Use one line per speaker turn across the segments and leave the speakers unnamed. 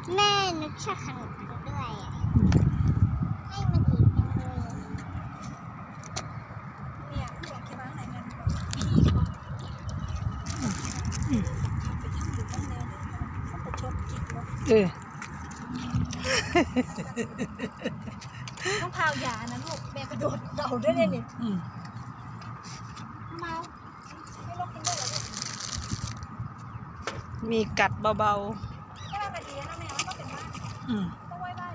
แม่นึกชาขนมด้วยให้มันอีกจังเลย
เนี่ยอยากคิดว่าอะไรเงินไปชดกินเนาะต้องพาวยานะลูกแม่กระโดดเดาด้วยเนี่ยเมาไม่ลงกินได้หรอลูก
มีกัดเบา
แค่แบบดีนะแม่ก็เป็นบ้านต้องไหว้บ้าน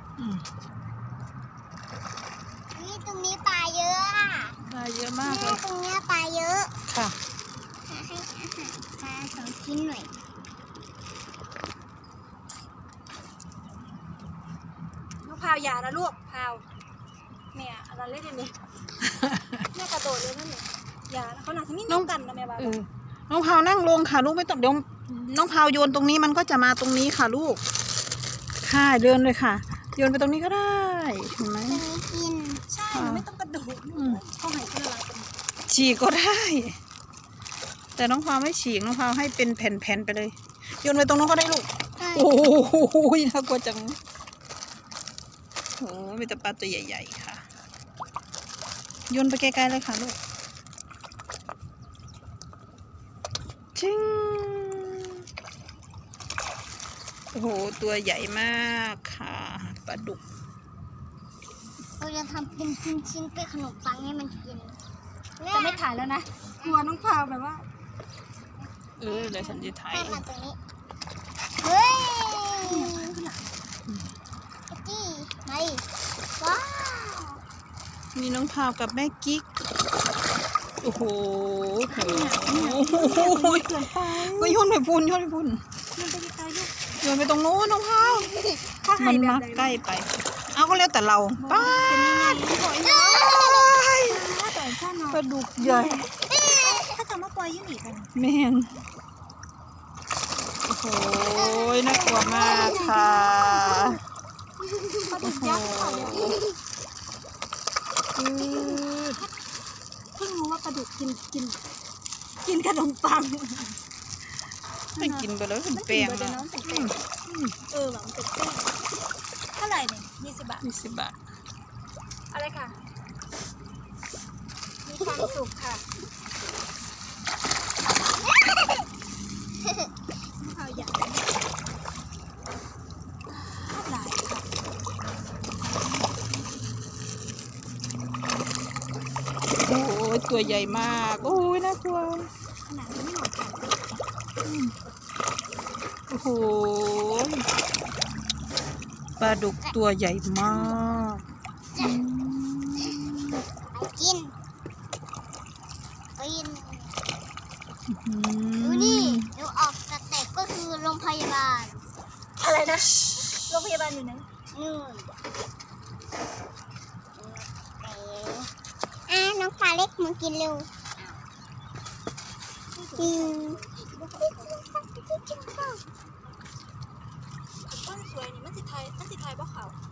นี่ตรงนี้ปลาเยอะอ่ะ
ปลาเยอะมากเลย
ตรงนี้ปลาเยอะ
ค่ะ
ให้อาหารปลา2 ชิ้นหน่อย
น้องพาวยานะลูกพาวแม่อะไรเล่นเนี่ยแม่กระโดดเลยนั่นเนี่ยยาเขาหนักที่นี่น้องกันนะแม่บ้า
น้องพาวนั่งลงค่ะลูกไม่ต้องเดี๋ยวน้องพาวโยนตรงนี้มันก็จะมาตรงนี้ค่ะลูกค่ะเดินเลยค่ะโยนไปตรงนี้ก็ได้เห็นไหม
กิน
ใช่ไม่ต้องกระโดดเขาให้คนละกัน
ฉีกก็ได้ แต่น้องพาวไม่ฉีกน้องพาวให้เป็นแผ่นๆไปเลยโยนไปตรงนั้นก็ได้ลูกโอ้โหน่ากลัวจังโอ้มีแต่ปลาตัวใหญ่ๆค่ะโยนไปไกลๆเลยค่ะลูกชิงโอ้โหตัวใหญ่มากค่ะปลาดุก
เราจะทำเป็นชิ้นๆเป็นขนมปังให้มันกิน
จะไม่ถ่ายแล้วนะกลัวน้องพาวแบบว่า
เดี๋ยวฉันจะถ่าย
มาตรงนี้เฮ้ยจี้ไม่ว้าว
มีน้องพาวกับแม่กิ๊กโอ้โหก็โยนไปพุ่นโยนไปตรงโน้นน้องพาวมันมักใกล้ไปเอาก็แล้วแต่เราป้าปลาดุกใหญ่
ถ้าจะมาปล่อยยืดหนีกัน
แม่นโอ้โหน่ากลัวมากค่ะ
ปลาดุกยักษ์ค่ะเพิ่งรู้ว่าปลาดุกกินขนมปัง
ไม่กินไปแล้วเป็นแป้ง
แบบมันเป็นแป้งเท่าไหร่เนี่ย20 บาท
20 บาท
อะไรค่ะมีความสุขค่ะข้าวใหญ่หลายค่ะ
โอ้ยตัวใหญ่มากโอ้ยน่ากลัว
ขนาดนี้ไม่หมดค่ะ
โอ้โหปลาดุกตัวใหญ่มาก
กินดูนี่ดูออกสเต็ปก็คือโรงพยาบาล
อะไรนะโรงพยาบาลอยู่ไหน
น้องปลาเล็กมากินเร็ว
ต้นสวยนี่มันสิไทยบ่เขา